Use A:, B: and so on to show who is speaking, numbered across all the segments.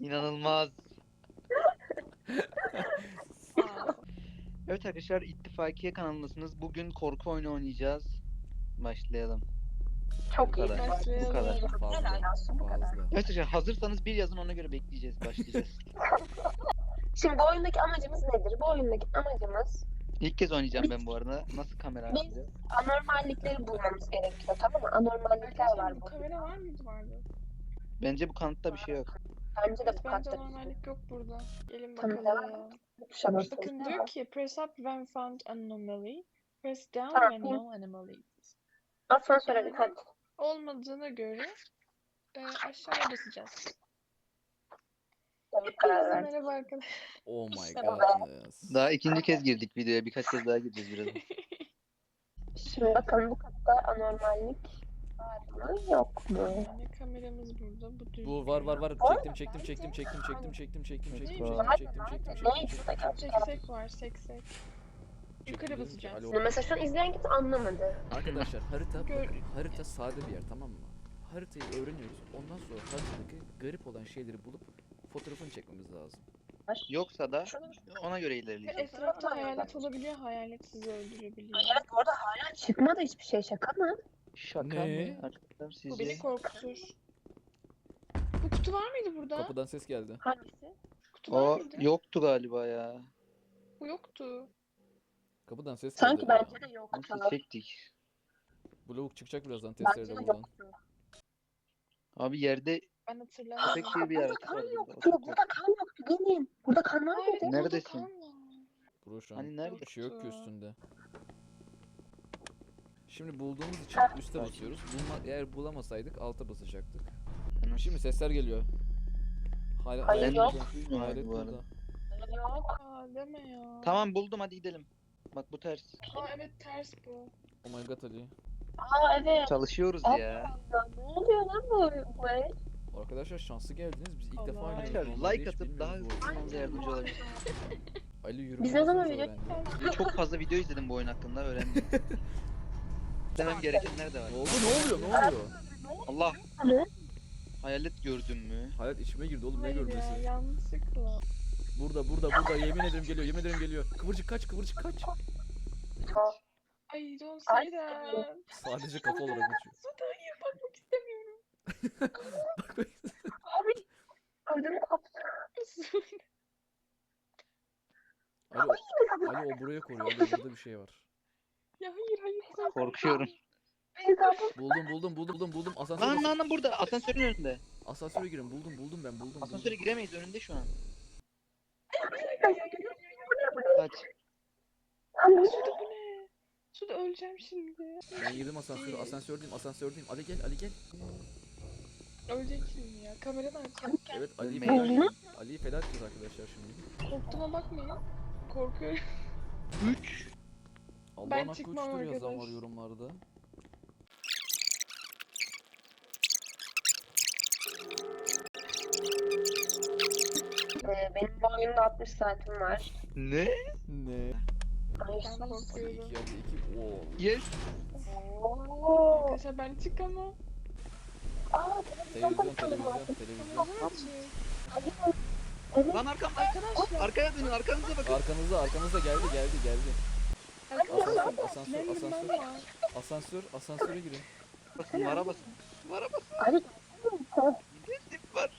A: İnanılmaz.
B: Aa,
A: Evet arkadaşlar, İttifakiye kanalındasınız. Bugün korku oyunu oynayacağız. Başlayalım.
C: Çok
A: Bu
C: iyi.
A: kadar.
B: Başlayalım.
A: Bu kadar.
C: Helal olsun, bu kadar.
D: Fazla.
A: Evet arkadaşlar, hazırsanız bir yazın, ona göre bekleyeceğiz. Başlayacağız.
C: Şimdi bu oyundaki amacımız nedir? Bu oyundaki amacımız
A: İlk kez oynayacağım ben bu arada. Nasıl kamera
C: biz
A: açacağız?
C: anormallikleri bulmamız gerekiyor, tamam mı? Anormallikler
B: arkadaşlar
C: var
B: bu
C: bu.
B: kamera var mıydı vardı?
A: Bence bu kanıtta bir şey yok.
C: Bence de bu
B: Bence
C: katta
B: normallik yok burada. Gelin
C: Tamam,
B: bakalım.
C: tuşa
B: Bakın
C: basıyoruz.
B: diyor ki press up when found anomaly. Press down
C: Tamam.
B: when no anomaly.
C: Asansöre bir hadi.
B: Olmadığına göre aşağıya basacağız.
C: Doğru karar
B: Hepinize
C: verdim.
B: merhaba arkadaşlar.
D: Oh my
C: İşte bu
D: godness.
A: Daha ikinci kez girdik videoya. Birkaç kez daha gireceğiz birazdan.
C: Şimdi bakalım bu katta anormallik var mı yok mu?
B: Yani kameramız burada. Bu düz.
D: Bu var. Çektim.
B: Seksek var, seksek. Yukarı basacağız.
C: Şimdi mesela şu an izleyen kimse anlamadı.
D: Arkadaşlar harita
B: Gör-
D: bakın, harita sade bir yer, tamam mı? Haritayı öğreniyoruz. Ondan sonra haritadaki garip olan şeyleri bulup fotoğrafını çekmemiz lazım.
A: Yoksa da ona göre
B: Ve
A: ilerleyeceğiz.
B: etrafta hayalet olabiliyor, hayalet sizi öldürebiliyor.
C: Evet, orada hala çıkmadı hiçbir şey, şaka mı?
A: Şaka
D: Ne?
A: mı? Arkadaşlar
B: Bu beni
A: sizce?
B: korkutur. Bu kutu var mıydı burada?
D: Kapıdan ses geldi.
C: Hangisi?
B: Kutu var
A: O
B: mıydı?
A: yoktu galiba ya.
B: Bu yoktu.
D: Kapıdan ses geldi.
C: Sanki bence de yoktu.
A: Nasıl çektik?
D: Bu lavuk çıkacak birazdan
C: Bence
D: testereyle
C: de
D: buradan.
C: yoktu.
A: Abi yerde
B: Ben hatırlamıyorum.
A: köpek gibi bir
C: Burada
A: yaratık
C: kan
A: var burada.
C: yoktu. Burada kan yoktu. Gelin. Burada kan var
B: Aa,
C: mıydı?
B: evet, burada
A: Neredesin?
B: kan var.
D: Bro şu an
A: Hani nerede?
D: bir şey yok ki
B: Yoktu.
D: üstünde. Şimdi bulduğumuz için üste basıyoruz. Eğer bulamasaydık alta basacaktık. Şimdi sesler geliyor.
C: Hayır,
D: Hayalet
C: yok.
D: burada. Hayalet
A: Bu arada.
D: burada.
C: Yok.
B: Aa deme ya.
A: Tamam, buldum, hadi gidelim. Bak bu ters.
B: Aa evet ters bu.
D: Oh my god Ali.
C: Aa evet.
A: Çalışıyoruz
C: Allah
A: ya.
C: Allah, ne oluyor lan bu el?
D: Arkadaşlar şanslı geldiniz. Biz ilk
B: Allah.
D: defa oynuyoruz.
A: Arkadaşlar
D: Normalde
A: like
D: hiç
A: atıp daha
D: bilmiyoruz bu
A: hızlı
D: oyunu.
A: olmanıza yardımcı olabilir.
D: Ali yürümeyi
C: Biz ne zaman
D: nasıl
C: video
D: öğrendi?
A: Çok fazla video izledim bu oyun hakkında, öğrendim. Demem gerekenler de var.
D: Ne oldu? Ne oluyor?
A: Allah!
C: Ne?
A: Hayalet gördün mü?
D: Hayat içime girdi oğlum, ne
B: Hayır ya
D: görmesi?
B: yanlışlıkla.
D: Burada yemin ederim geliyor. Kıvırcık kaç.
B: Ay don't
C: Ay.
B: say that.
D: Sadece kafa olarak uçuyor.
B: Suda hayır bakmak istemiyorum.
D: Bak.
C: Abi. Ödüm koptu.
D: Ali o buraya koruyor. Ali burada bir şey var.
B: Ya hayır.
A: Korkuyorum.
D: Buldum.
A: Lan burada, asansörün önünde.
D: Asansöre girin. Buldum ben.
A: Asansöre giremeyiz, önünde şu an. Kaç.
B: Suda bu ne? Suda öleceğim şimdi.
D: Ben girdim asansördeyim. Ali gel.
B: Ölecek şimdi ya. Kameradan açacağım.
D: Evet Ali'yi
A: Ölmeyin.
D: feda edeceğiz. Ali'yi feda edeceğiz arkadaşlar şimdi.
B: Korktuğuma bakmayın. Korkuyorum.
A: 3.
D: Allah'ın
B: Ben
D: hakkı
B: çıkmam
D: uçtur yazan
B: arkadaş.
D: var yorumlarda.
C: Benim bu oyunda 60 saatim var.
A: Ne?
D: Ne?
C: Ay
B: Ben
C: sus.
D: Ali
B: korkuyorum.
D: 2 Oo.
A: Yes.
C: Oo.
B: Arkadaşlar ben çıkamam.
C: Aa,
D: Televizyon.
B: Kamera açık.
C: Evet.
A: Lan arkamda.
B: Arkadaşlar.
A: Arkaya dönün, arkanıza bakın.
D: Arkanızda geldi.
B: Asansör.
D: Asansöre girin.
A: Basın, vara basın.
C: Ali.
A: Tip var.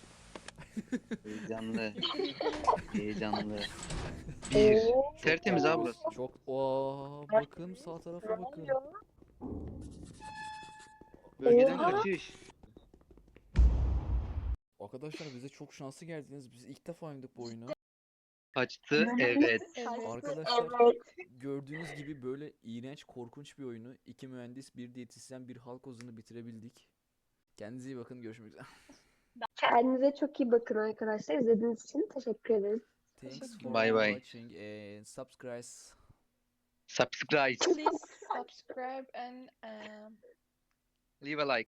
A: Heyecanlı. Bir. Tertemiz abi burası.
D: Çok bakın sağ tarafa bakın.
A: Bölgeden
C: Oha.
A: kaçış.
D: Arkadaşlar bize çok şanslı geldiniz. Biz ilk defa oynadık bu oyunu.
A: Açtı, evet.
D: Arkadaşlar
C: Evet.
D: gördüğünüz gibi böyle iğrenç, korkunç bir oyunu 2 mühendis, 1 diyetisyen, 1 halk ozunu bitirebildik. Kendinize iyi bakın. Görüşmek üzere.
C: Kendinize çok iyi bakın arkadaşlar. İzlediğiniz için teşekkür ederiz.
D: Thanks for
A: Bye bye.
D: watching and subscribe.
A: Subscribe.
B: Please subscribe and
A: Leave a like.